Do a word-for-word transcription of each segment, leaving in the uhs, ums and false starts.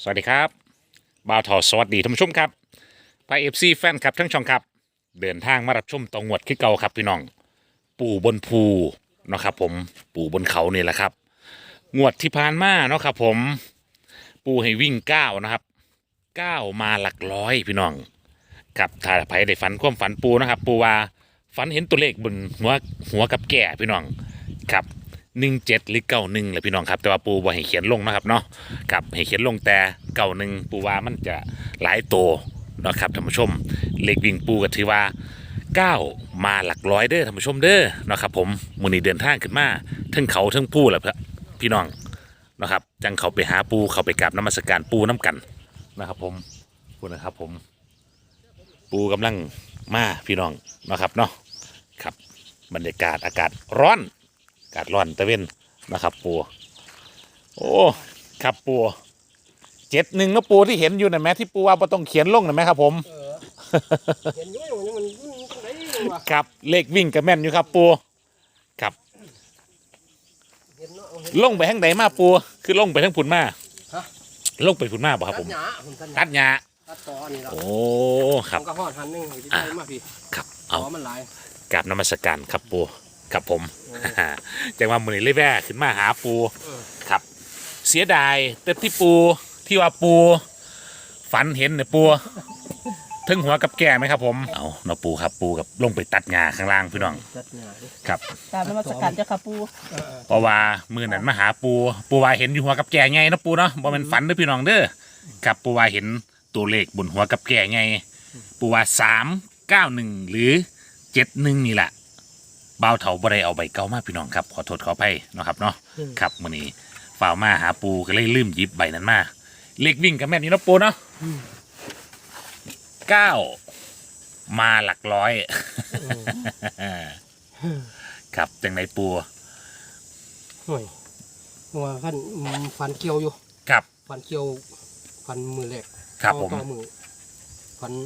สวัสดีครับบ่าวทอสวัสดีท่านผู้ชมครับไปเอฟซีแฟนครับทั้งช่องครับเดินทางมารับชมตองวดขึ้นเก่าครับพี่น้องปู่บนภูเนาะครับผมปู่บนเขานี่แหละครับงวดที่ผ่านมาเนาะครับผมปู่ให้วิ่งเก้านะครับเก้ามาหลักร้อยพี่น้องครับถ้าใครได้ฝันความฝันปูนะครับปูว่าฝันเห็นตัวเลขบนหัวหัวกับแก่พี่น้องครับหนึ่งเจ็ดหรือเก้าหนึ่งแหละพี่น้องครับแต่ว่าปูบ่ให้เขียนลงนะครับเนาะครับให้เขียนลงแต่เก้าหนึ่งปูว่ามันจะหลายโตเนาะครับท่านผู้ชมเลขวิ่งปูก็ถือว่าเก้ามาหลักร้อยเด้อท่านผู้ชมเด้อเนาะครับผมมื้อนี้เดินทางขึ้นมาทั้งเขาทั้งปูแหละพี่น้องนะครับจังเขาไปหาปูเขาไปกราบนมัสการปูน้ำกันนะครับผมพูดนะครับผมปูกำลังมาพี่น้องนะครับเนาะครับบรรยากาศอากาศร้อนอากาศร้อนตะเวนนะครับปูโอ้ครับปูเจ็ดหนึ่งนะปูที่เห็นอยู่นะแม่ที่ปูว่าบ่ต้องเขียนลงนะแม่ครับผมเออเห็นอยู่มันมันมันตรงไหนวะครับเลขวิ่งกับแม่นอยู่ครับปูครับเห็นเนาะเห็นลงไปทางไหนมาปูคือลงไปทางผุนมาฮะลงไปผุนมาบ่ครับผมตัดหญ้าผมตัดหตัญ้าดหญ้าตัดตอนี่ละโอ้ครับผมก็หอดหันหนึงที่อ่ะได้มาพี่ครับตเอาอมันหลายกราบนมัสการครับปูครับผมโอ้จังว่ามือนี้เลยแว่ขึ้นมาหาปูเออครับ เสียดายแต่ที่ปูที่ว่าปูฝันเห็นเนี่ยปูถึงหัวกับแก่ไหมครับผมเอาเนาะปูครับปูกับลงไปตัดหญ้าข้างล่างพี่น้องตัดหญ้าดิครับตามนมัสการเจ้าค่ะปูเออเออเพราะว่ามือนั้นมาหาปูปูว่าเห็นอยู่หัวกับแก่ไงนะปูเนาะบ่แม่นฝันเด้อพี่น้องเด้อครับปูว่าเห็นตัวเลขบนหัวกับแก่ไงปูว่าสามเก้าหนึ่งหรือเจ็ดหนึ่งนี่แหละบ่าวเถาบ่ได้เอาใบเก่ามาพี่น้องครับขอโทษขออภัยเนาะครับเนาะครับมื้อนี้ฝ่าวมาหาปูก็เลยลืมหยิบใบนั้นมาเลขวิ่งกับแม่นนี่เนาะปูเนาะเก้ามาหลักร้อย ครับจังไหนปูห่วยว่าฟันฟันเกี่ยวอยู่ครับฟันเกี่ยวฟันมือแรกครับผมต่อมือฟัน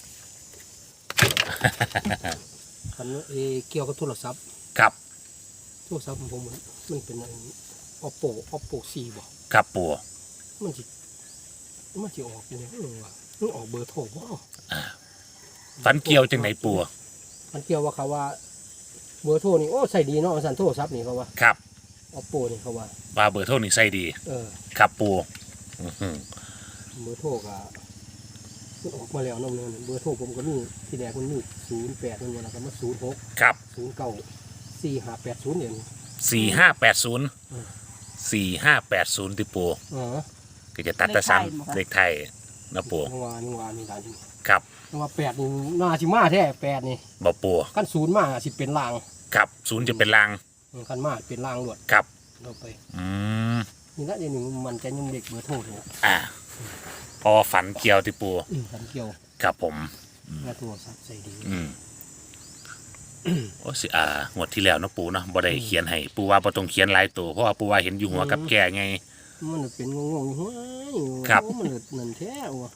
ฟันเออเกี่ยวกับโทรศัพท์ครับโทรศัพท์ของผมมันมันเป็นอะไร oppo oppo สี่บ่ครับปูมันสิมันสิออกอยู่เนี่ยเออว่ะมันออกเบอร์โทรบ่ฝันเกี่ยวจังไหนปูมันเกี่ยวว่าเขาว่าเบอร์โทรนี่โอ้ใส่ดีเนาะสันโทรศัพท์นี่เขาว่าครับ oppo นี่เขาว่าว่าเบอร์โทรนี่ใส่ดีเออครับปูอื้อหือเบอร์โทรก็มันออกมาแล้วเน้องเเบอร์โทรผมก็มีที่แรกมันมีศูนย์แปดมันวันละก็มาศูนย์หกครับศูนย์เก้าสี่ห้าแปดศูนย์เนี่ยสี่ห้าแปดศูนย์อืมสี่ห้าแปดศูนย์ติปูอ๋อก็จะตัดแตะซ้ำเลขไทยนะปูนังวานังวานี่หลานที่ครับนังวาแปดนี่น่าสิมาแท้แปดนี่บ่ปูขั้นศูนย์มาสิเป็นลางครับศูนย์จะเป็นลางขั้นมาเป็นลางหลวดครับเราไปอืมนี่ละเดี๋ยวนี้มันจะยังเด็กเบอร์โทรเลยอ่าพอฝันเกี่ยวติปูอืมขันเกี่ยวครับผมหน้าตัวสับใส่ดีอืมโอ้สิอ่างวดที่แล้วเนาะปูเนาะบ่ได้เขียนให้ปูว่าบ่ต้องเขียนหลายตัวเพราะว่าปูว่าเห็นอยู่หัวกับแก่ไงมันเป็นงงๆอยู่เฮ้ยครับโอ้มันนั่นแท้ว่ะ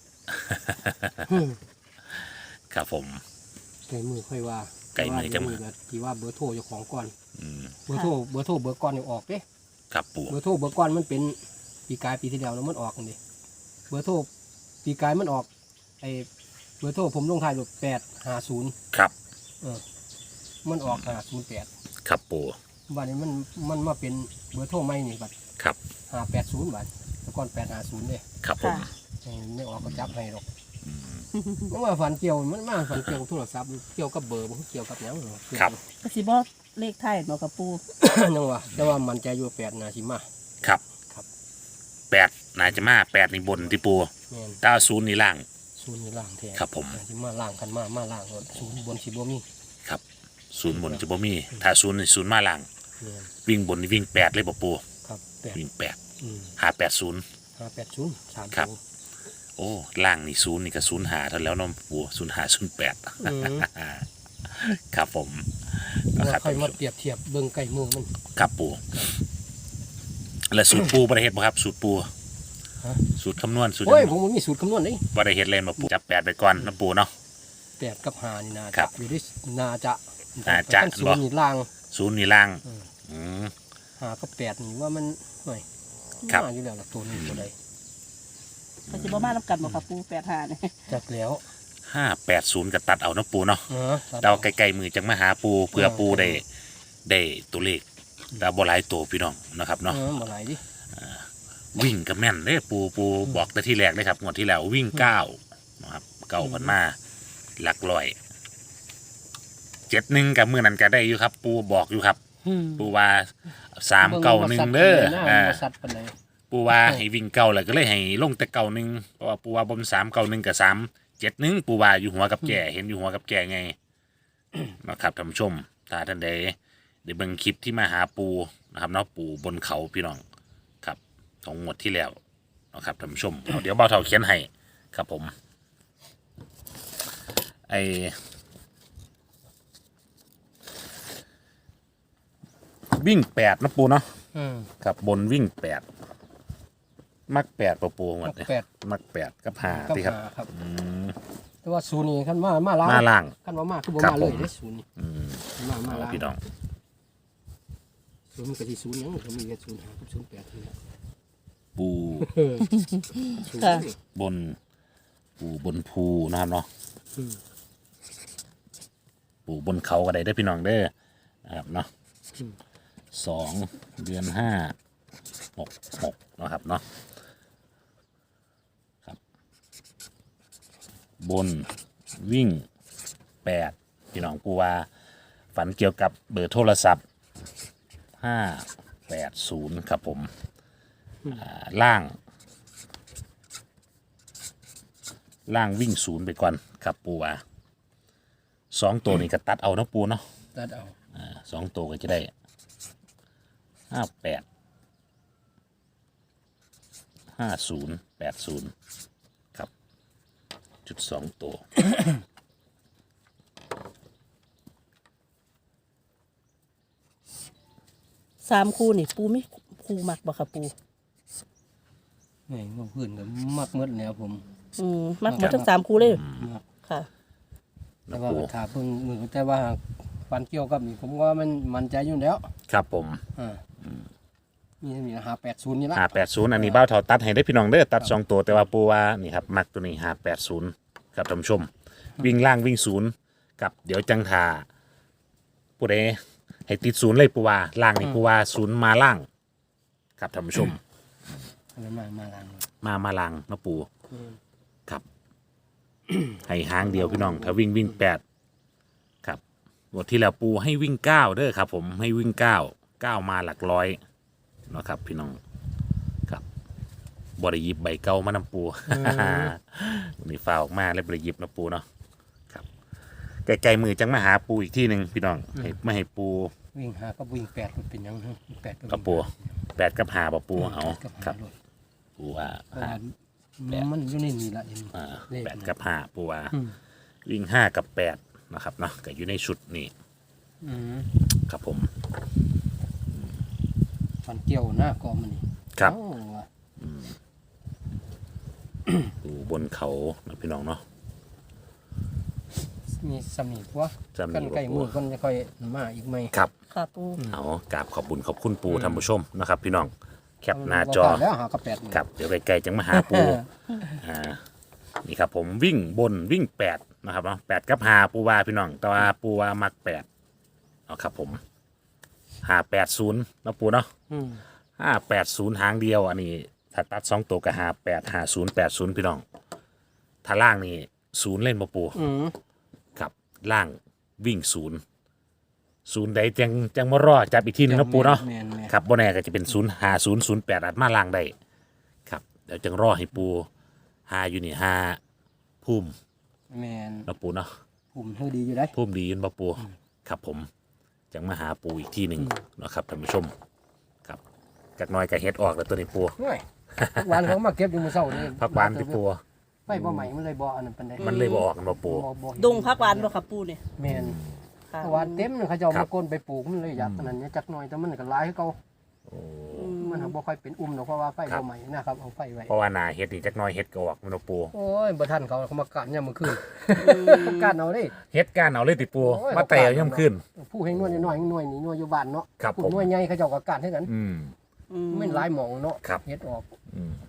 ครับผมไก่มือค่อยว่าไก่มือจังมือแบบที่ว่าเบอร์โทรเจ้าของก่อนอืมเบอร์โทรเบอร์โทรเบอร์ก่อนนี่ออกเด้ครับปูเบอร์โทรเบอร์ก่อนมันเป็นปีกายปีที่แล้วแล้วมันออกนี่เบอร์โทรปีกายมันออกไอเบอร์โทรผมลงท้ายแบบแปดห้าศูนย์ครับเออมันออกห้าศูนย์แปดครับปูวันนี้มันมันมาเป็นเบอร์โทรใหม่นี่บัดครับห้าแปดศูนย์บัดแต่ก่อนแปดห้าศูนย์เลยครับผมไอ้ไม่ออกก็จับให้หรอกอืมเพราะว่าฝันเกี่ยวมันมาฝันเกี่ยวกับโทรศัพท์เกี่ยวกับเบอร์มันเกี่ยวกับหยังหรอกครับกสิบอกเลขไทยเนาะค่ะปูยังว่าแต่ว่ามันใจอยู่แปดนาทีมาครับครับแปดนายจะมาแปดในบนที่ปูแม่นเก้าศูนย์นี่ล่างศูนย์นี่ล่างแท้ครับผมนาทีมาล่างกันมามาล่างรถศูนย์บนสิบ่มีครับศูนย์บนจะบ่มี ถ้าศูนย์นี่ศูนย์มาล่างแม่นวิ่งบนนี่วิ่งแปดเลยบ่ปูครับแปดวิ่งแปดอืมหาแปดศูนย์ห้าแปดศูนย์สามครับศูนย์โอ้ล่างนี่ศูนย์นี่ก็ศูนย์หาเท่าแล้วเน้องปูศูนย์หาศูนย์แปดอืมครับผมแล้วนะครับค่อยมาเปรียบเทียบเบิ่งใกล้มือมันครับปูและสูตรปูบริเฮ็ดบ่ครับ สูตรปูฮะสูตรคำนวณสูตรโอ้ยผมบ่มีสูตรคำนวณนี่บริเฮ็ดเล่นมาปูจับแปดไปก่อนนะปูเนาะแปดกับห้านี่นาครัจะบอยู่ที่นาจะน่าจะขั้นศูนย์นี่ล่างศูนย์นี่ล่างอืมอืมห้ากับแปดนี่ว่ามันหน่อยครับมาอยู่แล้วล่ะตัวนี้ตัวใดก็สิบ่มานํกันบ่ค่ะปูแปดห้านี่จักแล้วห้าแปดศูนย์กับตัดเอาเนาะปูเนาะเออเดาไกลๆมือจังมาหาปูเพื่อปูได้ได้ตัวเลขดาวบหลายตัวพี่น้องนะครับเนาะเนาะเออบ่หลายดิวิ่งกับแม่นเด้ปูปูบอกแต่ที่แรกเลยครับงวดที่แล้ววิ่งเก้านะครับเก้าพันมาหลักร้อยเจ็ดหนึ่งกับมือนั้นก็ได้อยู่ครับ ปูบอกอยู่ครับ ปูว่าสามเก้าหนึ่งเด้ออ่าบ่สัตว์ปานใดปูว่าให้วิ่งเก้าแล้วก็เลยให้ลงแต่เก้าหนึ่งเพราะว่าปูว่าบนสามเก้าหนึ่งกับสามเจ็ดหนึ่งปูว่าอยู่หัวกับแก่เห็นอยู่หัวกับแก่ไง นะครับท่านผู้ชมถ้าท่านใดได้เบิ่งคลิปที่มาหาปูนะครับเนาะปูบนเขาพี่น้องครับของงวดที่แล้วนะครับท่านผู้ชมเอาเดี๋ยวเบาเท่าเขียนให้ครับผมไอวิ่งแปดนะปูเนาะอืมครับบนวิ่งแปดมักแปดปะปูงวดมักเนี่ยแปดมักแปดกับหากับที่ครับหาครับอืมแต่ว่าศูนย์นี่คันมามาล้างมาล่างคันว่ามาคือบ่ครับมาเลยผมเด้ศูนย์นี่อืมมามาเอาล้างพี่น้องศูนย์มันก็สิศูนย์หยังก็มีแค่ศูนย์ห้ากับศูนย์แปดนี่แหละปูเออศูนย์ค่ะนี่บนปูบนภูนะครับเนาะอืมปูบนเขาก็ได้ได้อพี่น้องเด้อนะครับเนาะสองเดือนห้าหกหกนะครับเนาะครับ บนวิ่งแปดพี่น้องปูว่าฝันเกี่ยวกับเบอร์โทรศัพท์ห้าแปดศูนย์ครับผมอ่าล่าง ล่างวิ่งศูนย์ไปก่อนครับปูว่าสองตัวนี้ก็ตัดเอาเนาะปูเนาะตัดเอาอ่าสองตัวก็จะได้ห้าแปดห้าศูนย์แปดศูนย์ครับ จุดสองตัวสามคู่นี่ปูมีคู่มักบ่ค่ะปูนี่งพื้นก็มักหมดแล้วผมอืมมักหมดทั้งสามคู่เลยมักค่ะแต่ว่าถ้าเพิ่งมือแต่ว่าฟันเกี่ยวกับนี่ผมว่ามันมันใจอยู่แล้วครับผมอ่านี่มีหาแปดศูนย์นี่ละห้าแปดศูนย์อันนี้เบ้าเท่าตัดให้ได้พี่น้องเด้อตัดสองตัวแต่ว่าปูว่านี่ครับมักตัวนี้ห้าแปดศูนย์ครับท่านผู้ชม วิ่งล่างวิ่งศูนย์กับเดี๋ยวจังทาปูเดให้ติดศูนย์เลยปูว่าล่างนี่ปูว่าศูนย์มาล่างครับท่านผู้ชมอันนั้นมามาล้างเลยมามาลังเนาะปูอืมครับ ให้หางเดียวพี่น้อง ถ้าวิ่งวิ่งแปดครับบทที่แล้วปูให้วิ่งเก้าเด้อครับ ผมให้วิ่งเก้าเก้ามาหลักร้อยเนาะครับ พี่น้องครับบริยิบใบเก้ามานำปู วันนี้ฟ้าออกมาเลยบริยิบนะปูเนาะครับไกลๆมือจังมาหาปูอีกที่หนึ่งพี่น้องให้ไม่ให้ปูวิ่งหาก็วิ่งแปดมันเป็นหยังฮะแปดก็วิ่งกับปูแปดกับหาปะปูเอากับครับหาโลดปูว่าเพราะว่ามันอยู่ในนี่ละเห็นอ่าเลขแปดกับห้าปูว่าอืมวิ่งห้ากับแปดนะครับเนาะก็อยู่ในชุดนี้อืมครับผมฟันเกี่ยวหน้ากอมันนี่ครับเอ้าว่ะอยู่บนเขานะพี่น้องเนาะมีสำนีกว่าจำกันมีไก่มือบ่คนจะค่อยมาอีกไหมครับค่ะปูเอากราบขอบคุณขอบคุณปูท่านผู้ชมนะครับ พี่น้องแคปหน้าจอบ่พลดแล้วหากระแปดนี่ครับเดี๋ยวไกลๆจังมาหาปูอ่านี่ครับผมวิ่งบนวิ่งแปดนะครับเนาะแปดกับหาปูวาพี่น้องแต่ว่าปูวามักแปดเอาครับผมหาแปดศูนย์นะปูเนาะอืมห้าแปดศูนย์หางเดียวอันนี้ถ้าตัดสองตัวก็หาแปดหาศูนย์แปดศูนย์พี่น้องถ้าล่างนี่ศูนย์เล่นมาปูอืมครับล่างวิ่งศูนย์ศูนย์ใดจังจังมารอจับอีกทีนึงนะปูเนาะแม่นแม่นครับบ่แน่ก็จะเป็นศูนย์หาศูนย์ศูนย์แปดอาจมาล่างได้ครับเดี๋ยวจังรอให้ปูหาอยู่นี่หาพุ่มแม่นนะปูเนาะผมเธอดีอยู่ได้พุ่มดียินบ่ปูครับผมจังมาหาปูอีกทีหนึ่งนะครับท่านผู้ชมครับจากหน้อยก็เฮ็ดออกแล้วตัวนี้ปูง่ายผักหวานเขามาเก็บอยู่มื้อเช้านี่พักหวานที่ปูไฟบ่ใหม่มันเลยบ่อันนั้นปานใดมันเลยบ่ออกกันบ่ปูบ่บ่ดงพักหวานบ่ค่ะปูเนี่ยแม่นค่ะผักหวานเต็มเลยเขาเจ้าครัมาบก้นไปปลูกมันเลยอยากอันนั้นเนี่ยจักหน่อยแต่มันก็หลายคือเก่าโอ้อืมมันหาบ่ค่อยเป็นอุ้มหรอกเพราะว่าไฟครับบ่ใหม่นะครับเอาไฟไว้เพราะว่าหนาเฮ็ดนี่จักหน้อยเฮ็ดก็ออกมันบ่ปูโอ้ยบ่ทันเขาเขามากัดยามมื้อคืนกัดเอาดิเฮ็ดก้านเอาเลยติปูโอ้ยมาแต่เอาย่ํขึ้นผู้ให้นวดน้อยๆหน่วยนี่หน่วยอยู่บ้านเนาะครับผู้ผมหน่วยใหญ่เขาเจ้าก็กัดให้กันอืมอืมมันหลายหม่องเนาะครับเฮ็ดออกอืม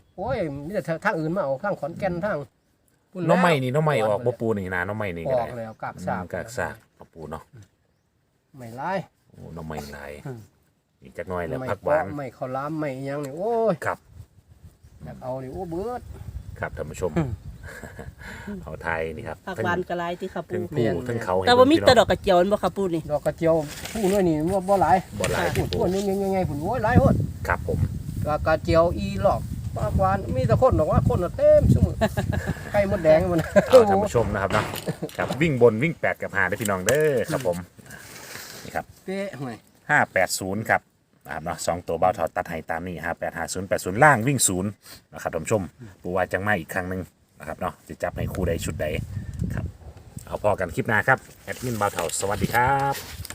โอ้ยมีแต่ทางอื่นมาเอาทางขอนแก่นทางพุ่นน้องใหม่แล้วนี่น้องใหม่ออกบ่ปูนี่นะน้องใหม่นี่อก็อได้กแล้วกากอืสามกากซากเอาปูเนาะไม่ร้ายโอ้น้องใหม่หลายอืมอีกจักหน่อยแล้วไม่ผักหวานเปาะไม่ข้าวหล้ามไม่อิหยังนี่โอ้ยครับอยากเอานี่โอ้เบิดครับท่านผู้ชมอืมเอาไทยนี่ครับผักหวานกระไรที่ค่ะปูทั้งแม่ปูนทั้งเขาให้แต่ว่ามีเบิ่งแตะพี่ดน้อกกระเจียวนั่นบ่ค่ะปูนี่ดอกกระเจียวผู้น้อยนี่ว่าบ่หลายบ่หลายพูดปูพูดยังไงๆผุนโอ้ยหลายโหดครับผมดอกกระเจียวอีหลอกปากหวานมีแต่คนบอกว่าคนน่ะเต็มซุมื้อไก่มดแดงมันเอาท่านผู้ชมนะครับเนาะครับวิ่งบนวิ่งแปดกับหาได้อพี่น้องเด้อครับผมนี่ครับเป๊ะห่วยห้าแปดศูนย์ครับนะครับเนาะสองตัวเบาถอดตัดให้ตามนี้ห้าแปดห้าศูนย์แปดศูนย์ล่างวิ่งศูนย์นะครับท่านผู้ชมปูว่าจังมาอีกครั้งหนึ่งนะครับเนาะจะจับในคู่ใดชุดใดครับเอาพอกันคลิปหน้าครับแอดมินเบาเถาสวัสดีครับ